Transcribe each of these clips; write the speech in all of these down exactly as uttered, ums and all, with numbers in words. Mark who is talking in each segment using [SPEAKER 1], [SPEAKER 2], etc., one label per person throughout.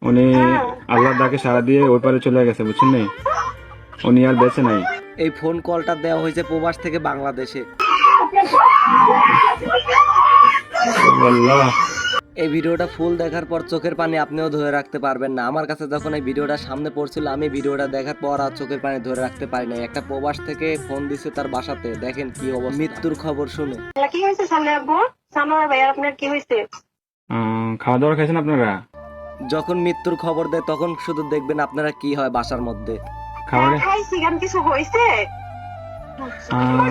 [SPEAKER 1] উনি আল্লাহর ডাকে সাড়া দিয়ে ওই পারে চলে গেছে, বুঝছেন নি? উনি আর বেঁচে নাই।
[SPEAKER 2] এই ফোন কলটা দেওয়া হয়েছে প্রবাস থেকে বাংলাদেশে।
[SPEAKER 1] আল্লাহ।
[SPEAKER 2] এই ভিডিওটা ফুল দেখার পর চোখের পানি আপনিও ধরে রাখতে পারবেন না। আমার কাছে যখন এই ভিডিওটা সামনে পড়ছিল, আমি ভিডিওটা দেখার পর আর চোখের পানি ধরে রাখতে পারি নাই। একটা প্রবাস থেকে ফোন দিছে তার বাসাতে, দেখেন কি অবস্থা। মৃত্যুর খবর শুনে
[SPEAKER 3] কি হয়েছে সামনে আব্বু? সামনে ভাইয়া আপনার কি হয়েছে?
[SPEAKER 1] আহ, খাওয়া দাওয়া খাইছেন আপনারা?
[SPEAKER 2] যখন মৃত্যুর খবর দেয় তখন শুধু দেখবেন আপনারা কি হয় বাসার মধ্যে।
[SPEAKER 1] খাবারে
[SPEAKER 3] খাইছি গান কিছু হয়েছে?
[SPEAKER 1] আহ,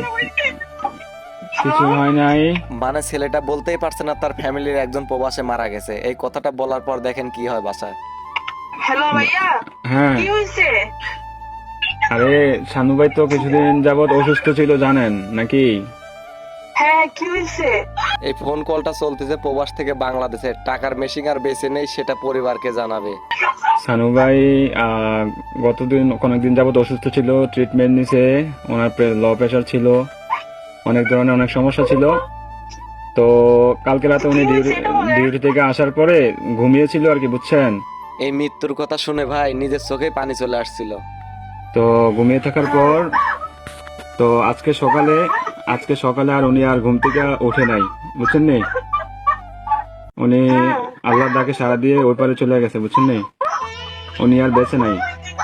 [SPEAKER 1] কিছু হয় নাই।
[SPEAKER 2] মানে ছেলেটা বলতেই পারছে না তার ফ্যামিলির একজন প্রবাসে মারা গেছে। এই কথাটা বলার পর দেখেন কি হয় বাসায়।
[SPEAKER 3] হ্যালো ভাইয়া,
[SPEAKER 1] হ্যাঁ,
[SPEAKER 3] কি হয়েছে?
[SPEAKER 1] আরে শানু ভাই তো কিছুদিন যাবত অসুস্থ ছিল, জানেন নাকি?
[SPEAKER 3] হ্যাঁ, কি হয়েছে?
[SPEAKER 2] এই ফোন কলটা চলতেছে প্রবাস থেকে বাংলাদেশে। টাকার মেশিন আর বেঁচে নেই, সেটা পরিবারকে জানাবে।
[SPEAKER 1] শানু ভাই আহ, গতদিন অনেকদিন যাবত অসুস্থ ছিল, ট্রিটমেন্ট নিছে। ওনার লো প্রেশার ছিল, অনেক ধরনের অনেক সমস্যা ছিল। তো কালকে রাতে উনি ডিউটি ডিউটি থেকে আসার পরে ঘুমিয়েছিল আর কি, বুঝছেন?
[SPEAKER 2] এই মৃত্যুর কথা শুনে ভাই নিজের চোখে পানি চলে আসছিল।
[SPEAKER 1] তো ঘুমিয়ে থাকার পর তো আজকে সকালে আজকে সকালে আর উনি আর ঘুম থেকে ওঠে নাই, বুঝছেন নি? উনি আল্লাহর ডাকে সাড়া দিয়ে ওই পারে চলে গেছে, বুঝছেন নি? উনি আর বেঁচে নাই,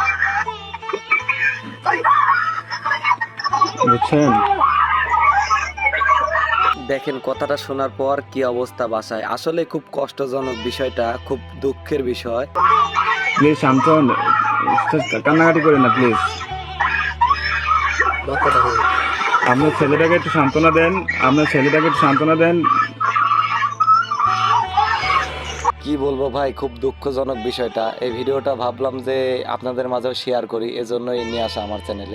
[SPEAKER 1] বুঝছেন?
[SPEAKER 2] দেখেন কথাটা শোনার পর কি অবস্থা বাসায়। আসলে খুব কষ্টজনক বিষয়টা, খুব দুঃখের বিষয়।
[SPEAKER 1] প্লিজ শান্তন, কান্নাকাটি করেন না প্লিজ। আপনার ছেলেটাকে একটু সান্ত্বনা দেন, আপনার ছেলেটাকে একটু সান্ত্বনা দেন।
[SPEAKER 2] কি বলবো ভাই, খুব দুঃখজনক বিষয়টা। এই ভিডিওটা ভাবলাম যে আপনাদের মাঝেও শেয়ার করি, এজন্যই নিয়ে আসা আমার চ্যানেলে।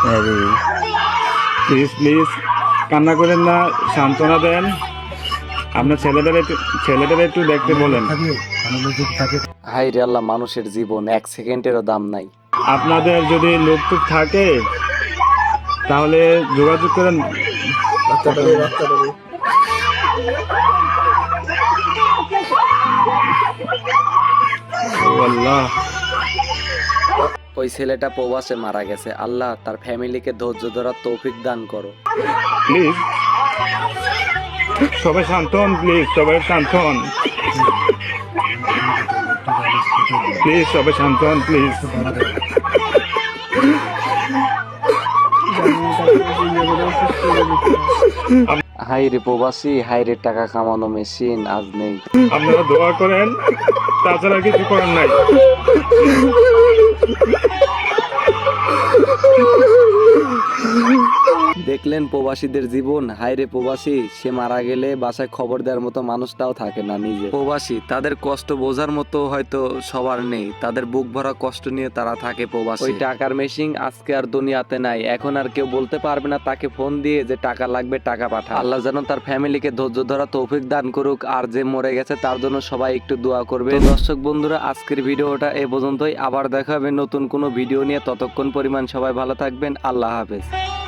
[SPEAKER 1] প্লিজ প্লিজ কান্না করেন না, সান্ত্বনা দেন। আপনার ছেলেদের একটু ছেলেদের একটু দেখতে বলেন।
[SPEAKER 2] হাই রে আল্লাহ, মানুষের জীবন এক সেকেন্ডেরও দাম নাই।
[SPEAKER 1] আপনাদের যদি লোকটুক থাকে তাহলে যোগাযোগ করেন। ও আল্লাহ,
[SPEAKER 2] ওই ছেলেটা প্রবাসে মারা গেছে। আল্লাহ তার ফ্যামিলিকে ধৈর্য ধরার তৌফিক দান করো।
[SPEAKER 1] প্লিজ সবাই শান্ত হন, প্লিজ সবাই শান্ত হন, প্লিজ সবাই শান্ত হন, প্লিজ।
[SPEAKER 2] হাই রে প্রবাসী, হাই রে টাকা কামানো মেশিন আজ নেই।
[SPEAKER 1] আপনারা দোয়া করেন, তাছাড়া কিছু করার নাই।
[SPEAKER 2] দেখলেন প্রবাসীদের জীবন। হায়রে প্রবাসী, সে মারা গেলে বাসায় খবর দেওয়ার মতো মানুষটাও থাকে না। নিজে প্রবাসী, তাদের কষ্ট বোঝার মতো হয়তো সবার নেই। তাদের বুক ভরা কষ্ট নিয়ে তারা থাকে প্রবাসী। ওই টাকার মেশিন আজকে আর দুনিয়াতে নাই। এখন আর কেউ বলতে পারবে না তাকে ফোন দিয়ে যে টাকা লাগবে, টাকা পাঠা। আল্লাহ যেন তার ফ্যামিলিকে ধৈর্য ধরা তৌফিক দান করুক। আর যে মরে গেছে তার জন্য সবাই একটু দোয়া করবে। দর্শক বন্ধুরা, আজকের ভিডিওটা এ পর্যন্তই। আবার দেখা হবে নতুন কোনো ভিডিও নিয়ে। ততক্ষণ পরিমাণ সবাই ভালো থাকবেন। আল্লাহ হাফেজ।